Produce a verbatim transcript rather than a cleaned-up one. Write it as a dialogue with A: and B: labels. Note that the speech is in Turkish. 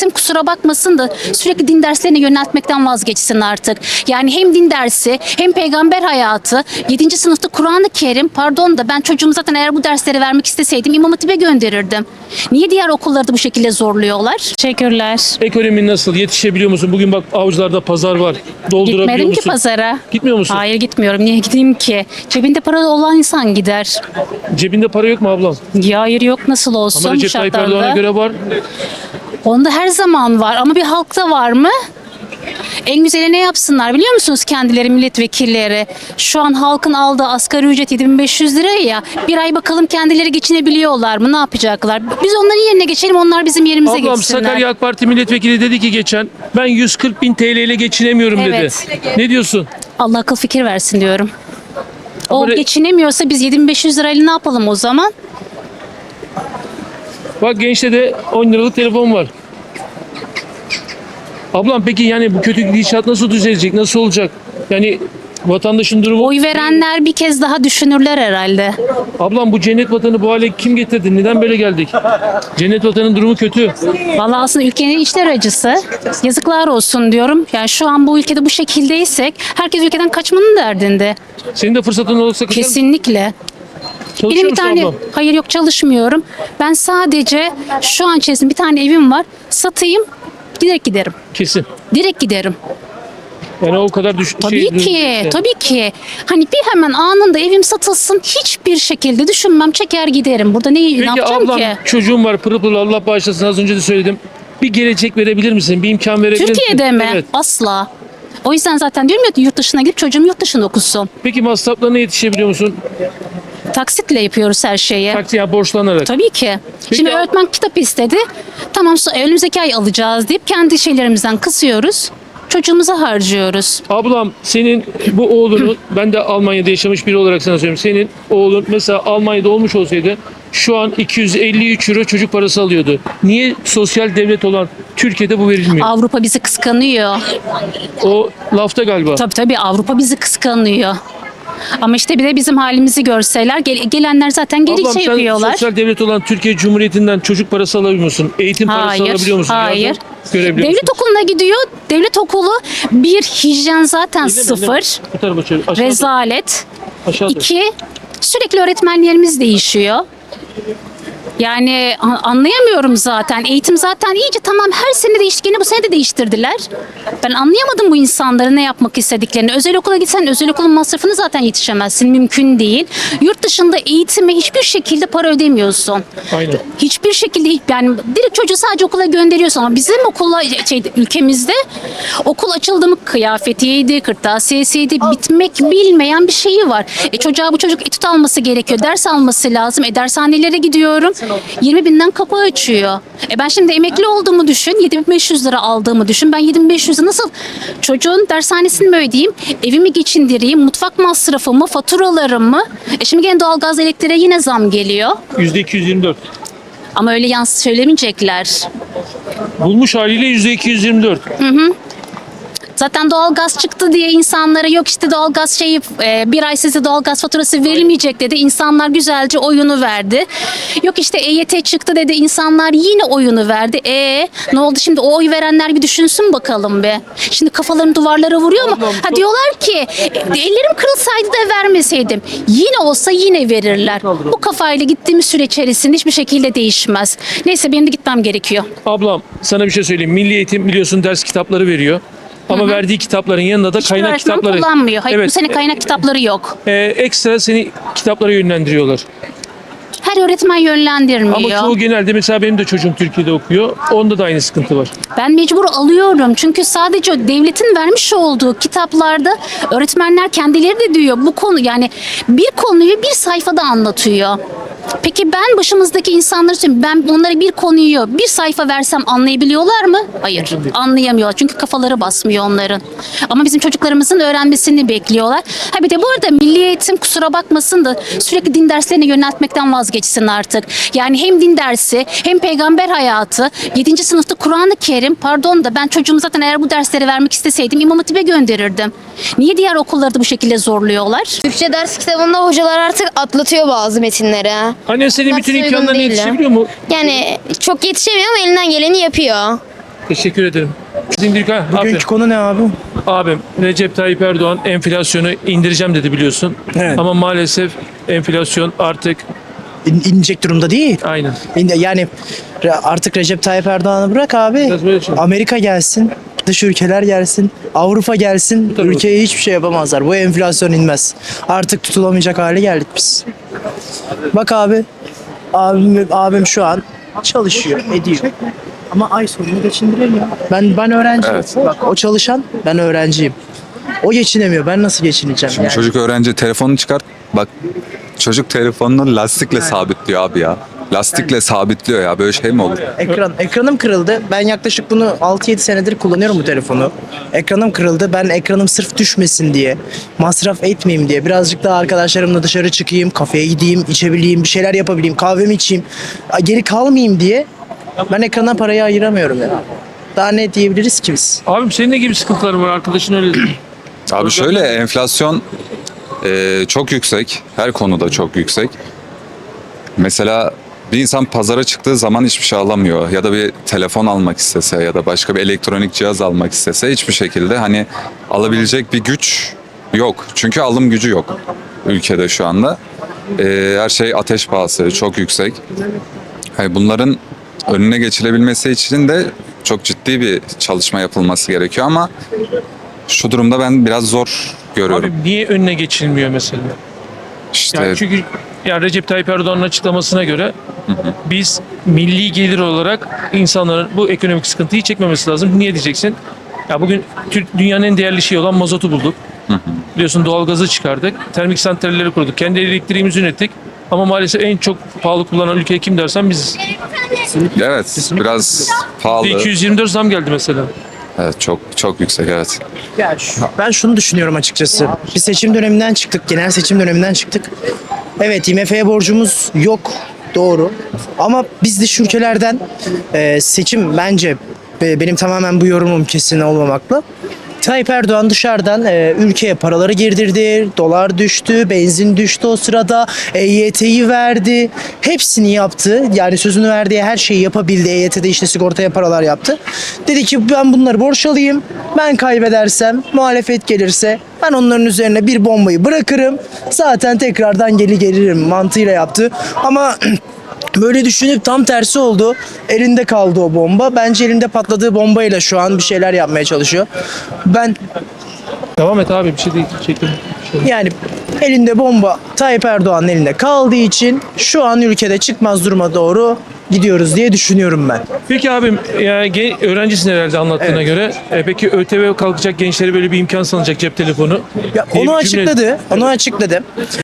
A: Eğitim kusura bakmasın da sürekli din derslerine yöneltmekten vazgeçsin artık. Yani hem din dersi hem peygamber hayatı, yedinci sınıfta Kur'an-ı Kerim, pardon da ben çocuğumu zaten eğer bu dersleri vermek isteseydim İmam Hatip'e gönderirdim. Niye diğer okulları da bu şekilde zorluyorlar? Teşekkürler.
B: Ekonomin nasıl? Yetişebiliyor musun? Bugün bak Avcılar'da pazar var. Doldurabiliyor
A: Gitmedim
B: musun?
A: ki pazara.
B: Gitmiyor musun?
A: Hayır gitmiyorum. Niye gideyim ki? Cebinde para olan insan gider.
B: Cebinde para yok mu ablam?
A: Ya hayır yok nasıl olsun
B: Ama
A: bu
B: Recep Tayyip Erdoğan'a
A: şartlarda.
B: göre var.
A: Onda her zaman var ama bir halkta var mı? En güzeli ne yapsınlar biliyor musunuz kendileri milletvekilleri? Şu an halkın aldığı asgari ücret yedi bin beş yüz lira ya. Bir ay bakalım kendileri geçinebiliyorlar mı? Ne yapacaklar? Biz onların yerine geçelim, onlar bizim yerimize
B: Ablam
A: geçsinler.
B: Sakarya AK Parti milletvekili dedi ki geçen ben yüz kırk bin T L ile geçinemiyorum
A: Evet.
B: dedi. Ne diyorsun?
A: Allah akıl fikir versin diyorum. O
B: Ama re-
A: geçinemiyorsa biz yedi bin beş yüz lirayla ne yapalım o zaman?
B: Bak gençte de on liralık telefon var. Ablam peki yani bu kötü gidişat nasıl düzelecek? Nasıl olacak? Yani vatandaşın durumu...
A: Oy verenler bir kez daha düşünürler herhalde.
B: Ablam bu cennet vatanı bu hale kim getirdi? Neden böyle geldik? Cennet vatanın durumu kötü.
A: Vallahi aslında ülkenin içler acısı. Yazıklar olsun diyorum. Yani şu an bu ülkede bu şekildeysek herkes ülkeden kaçmanın derdinde.
B: Senin de fırsatın olursa kaçar mısın?
A: Kesinlikle.
B: Çalışıyor
A: Benim bir
B: musun
A: tane
B: ablam?
A: hayır yok çalışmıyorum. Ben sadece şu an içerisinde bir tane evim var. Satayım, direkt giderim.
B: Kesin.
A: Direkt giderim.
B: Yani o kadar düş
A: Tabii
B: şey-
A: ki, tabii ki. Hani bir hemen anında evim satılsın, hiçbir şekilde düşünmem, çeker giderim. Burada ne, ne
B: Peki
A: yapacağım
B: ablam
A: ki?
B: çocuğum var pırıl pırıl Allah bağışlasın az önce de söyledim. Bir gelecek verebilir misin? Bir imkan verebilir misin?
A: Türkiye'de mi?
B: Evet.
A: Asla. O yüzden zaten diyorum ya yurt dışına gidip çocuğum yurt dışında okusun.
B: Peki masraflarına yetişebiliyor musun?
A: Taksitle yapıyoruz her şeyi.
B: Taksi ya borçlanarak.
A: Tabii ki.
B: Peki
A: Şimdi
B: ab-
A: öğretmen kitap istedi. Tamam so- önümüzdeki ay alacağız deyip kendi şeylerimizden kısıyoruz. Çocuğumuza harcıyoruz.
B: Ablam senin bu oğlunu ben de Almanya'da yaşamış biri olarak sana söyleyeyim. Senin oğlun mesela Almanya'da olmuş olsaydı şu an iki yüz elli üç euro çocuk parası alıyordu. Niye sosyal devlet olan Türkiye'de bu verilmiyor?
A: Avrupa bizi kıskanıyor.
B: O lafta galiba.
A: Tabii tabii Avrupa bizi kıskanıyor. Ama işte bir de bizim halimizi görseler gel- gelenler zaten geri
B: Ablam
A: şey
B: sen
A: yapıyorlar.
B: sosyal devlet olan Türkiye Cumhuriyeti'nden çocuk parası alabiliyor musun? Eğitim parası
A: Hayır,
B: alabiliyor musun?
A: hayır.
B: Yardım görebiliyor
A: Devlet
B: musun?
A: okuluna gidiyor. Devlet okulu bir hijyen zaten
B: Öyle mi?
A: sıfır.
B: Bu tarafa çevir. Aşağıda.
A: Rezalet.
B: Aşağıda.
A: İki, sürekli öğretmenlerimiz değişiyor. Yani a- anlayamıyorum zaten. Eğitim zaten iyice tamam her sene değişti. Gene bu sene de değiştirdiler. Ben anlayamadım bu insanların ne yapmak istediklerini. Özel okula gitsen özel okulun masrafını zaten yetişemezsin. Mümkün değil. Yurt dışında eğitime hiçbir şekilde para ödemiyorsun.
B: Aynen.
A: Hiçbir şekilde yani direkt çocuğu sadece okula gönderiyorsun ama bizim okula şey, ülkemizde okul açıldı mı kıyafetiydi, kırtasiyesiydi bitmek bilmeyen bir şeyi var. E, çocuğa bu çocuk etüt alması gerekiyor. Ders alması lazım. E, dershanelere gidiyorum. yirmi binden kapı açıyor. E, ben şimdi emekli olduğumu düşün. yedi bin beş yüz lira aldığımı düşün. Ben yedi bin beş yüzü nasıl çocuğun dershanesini mi ödeyeyim? Evimi geçindireyim? Mutfak masrafımı, faturalarımı? E, şimdi gene doğalgaz elektriğe yine zam geliyor.
B: yüzde iki yüz yirmi dört.
A: Ama öyle yans söylemeyecekler.
B: Bulmuş haliyle yüzde iki yüz yirmi dört.
A: Zaten doğalgaz çıktı diye insanlara yok işte doğalgaz şeyi e, bir ay size doğalgaz faturası verilmeyecek dedi. İnsanlar güzelce oyunu verdi. Yok işte E Y T çıktı dedi. İnsanlar yine oyunu verdi. E ne oldu şimdi o oy verenler bir düşünsün bakalım be. Şimdi kafalarını duvarlara vuruyor mu? Ha diyorlar ki e, ellerim kırılsaydı da vermeseydim. Yine olsa yine verirler. Bu kafayla gittiğimiz süre içerisinde hiçbir şekilde değişmez. Neyse benim de gitmem gerekiyor.
B: Ablam sana bir şey söyleyeyim. Milli Eğitim biliyorsun ders kitapları veriyor. Ama verdiği kitapların yanında da
A: Hiçbir
B: kaynak
A: öğretmen
B: kitapları.
A: kullanmıyor. Hayır bu
B: Evet.
A: sene kaynak kitapları yok.
B: e, ekstra seni kitaplara yönlendiriyorlar.
A: Her öğretmen yönlendirmiyor.
B: Ama çoğu genelde mesela benim de çocuğum Türkiye'de okuyor. Onda da aynı sıkıntı var.
A: Ben mecbur alıyorum çünkü sadece devletin vermiş olduğu kitaplarda öğretmenler kendileri de diyor bu konu yani bir konuyu bir sayfada anlatıyor. Peki ben başımızdaki insanları söyleyeyim. Ben onlara bir konuyu bir sayfa versem anlayabiliyorlar mı? Hayır. Anlayamıyorlar. Çünkü kafaları basmıyor onların. Ama bizim çocuklarımızın öğrenmesini bekliyorlar. Ha bir de bu arada Milli Eğitim kusura bakmasın da sürekli din derslerine yöneltmekten vazgeçsin artık. Yani hem din dersi hem peygamber hayatı, yedinci sınıfta Kur'an-ı Kerim, pardon da ben çocuğumu zaten eğer bu dersleri vermek isteseydim İmam Hatip'e gönderirdim. Niye diğer okulları da bu şekilde zorluyorlar?
C: Türkçe ders kitabında hocalar artık atlatıyor bazı metinleri.
B: Annen senin bütün
C: Uygun
B: imkanlarına
C: değil ya.
B: yetişebiliyor mu?
C: Yani çok yetişemiyor ama elinden geleni yapıyor.
B: Teşekkür ederim. Dindirik ha. Abi,
D: Bugünkü konu ne abi?
B: abim Recep Tayyip Erdoğan enflasyonu indireceğim dedi biliyorsun.
D: Evet.
B: Ama maalesef enflasyon artık
D: İn, inecek durumda değil.
B: aynen.
D: İn- yani re- artık Recep Tayyip Erdoğan'ı bırak abi.
B: Biraz böyle şey.
D: Amerika gelsin. Dış ülkeler gelsin. Avrupa gelsin.
B: Tabii.
D: Ülkeye hiçbir şey yapamazlar. Bu enflasyon inmez. Artık tutulamayacak hale geldik biz. Bak abi. Abim, abim şu an çalışıyor, ediyor. Ama ay sonunu geçindiremiyor. Ben ben öğrenciyim.
E: Evet.
D: Bak o çalışan, ben öğrenciyim. O geçinemiyor. Ben nasıl geçineceğim
E: Şimdi
D: yani?
E: çocuk öğrenci telefonunu çıkart. Bak çocuk telefonunu lastikle sabitliyor abi ya. Lastikle sabitliyor ya. Böyle şey mi olur?
D: Ekran, ekranım kırıldı. Ben yaklaşık bunu altı yedi senedir kullanıyorum bu telefonu. Ekranım kırıldı. Ben ekranım sırf düşmesin diye, masraf etmeyeyim diye, birazcık daha arkadaşlarımla dışarı çıkayım, kafeye gideyim, içebileyim, bir şeyler yapabileyim, kahvemi içeyim, geri kalmayayım diye ben ekrana parayı ayıramıyorum ya. Daha ne diyebiliriz ki biz?
B: Abim senin ne gibi sıkıntıların var? Arkadaşın öyle dedi.
E: Abi şöyle enflasyon e, çok yüksek. Her konuda çok yüksek. Mesela bir insan pazara çıktığı zaman hiçbir şey alamıyor. Ya da bir telefon almak istese ya da başka bir elektronik cihaz almak istese hiçbir şekilde hani alabilecek bir güç yok. Çünkü alım gücü yok ülkede şu anda. E, her şey ateş pahası, çok yüksek. Hani bunların önüne geçilebilmesi için de çok ciddi bir çalışma yapılması gerekiyor ama şu durumda ben biraz zor görüyorum.
B: Abi niye önüne geçilmiyor mesela?
E: İşte
B: Yani çünkü yani Recep Tayyip Erdoğan'ın açıklamasına göre biz milli gelir olarak insanların bu ekonomik sıkıntıyı çekmemesi lazım. Niye diyeceksin? Ya bugün Türk dünyanın en değerli şeyi olan mazotu bulduk. Biliyorsun doğalgazı çıkardık. Termik santralleri kurduk. Kendi elektriğimizi ürettik. Ama maalesef en çok pahalı kullanan ülke kim dersen biziz.
E: evet biraz pahalı.
B: iki yüz yirmi dört zam geldi mesela.
E: Evet çok çok yüksek evet.
D: Ya şu- ben şunu düşünüyorum açıkçası. Bir seçim döneminden çıktık, genel seçim döneminden çıktık. Evet, I M F'ye borcumuz yok, doğru. Ama biz dış ülkelerden e, seçim bence e, benim tamamen bu yorumum kesin olmamakla. Tayyip Erdoğan dışarıdan e, ülkeye paraları girdirdi, dolar düştü, benzin düştü o sırada, E Y T'yi verdi, hepsini yaptı. Yani sözünü verdiği her şeyi yapabildi. E Y T'de işte sigortaya paralar yaptı. Dedi ki ben bunları borç alayım, ben kaybedersem, muhalefet gelirse ben onların üzerine bir bombayı bırakırım, zaten tekrardan geri gelirim mantığıyla yaptı. Ama böyle düşünüp tam tersi oldu. Elinde kaldı o bomba. Bence elinde patladığı bombayla şu an bir şeyler yapmaya çalışıyor. Ben
B: Devam et abi bir şey değil. Çekin.
D: yani elinde bomba Tayyip Erdoğan'ın elinde kaldığı için şu an ülkede çıkmaz duruma doğru gidiyoruz diye düşünüyorum ben.
B: Peki abim yani gen- öğrencisin herhalde anlattığına
D: Evet.
B: göre. E, peki ÖTV kalkacak gençlere böyle bir imkan sanacak cep telefonu.
D: Ya
B: diye
D: onu
B: bir cümle-
D: açıkladı. Onu açıkladı.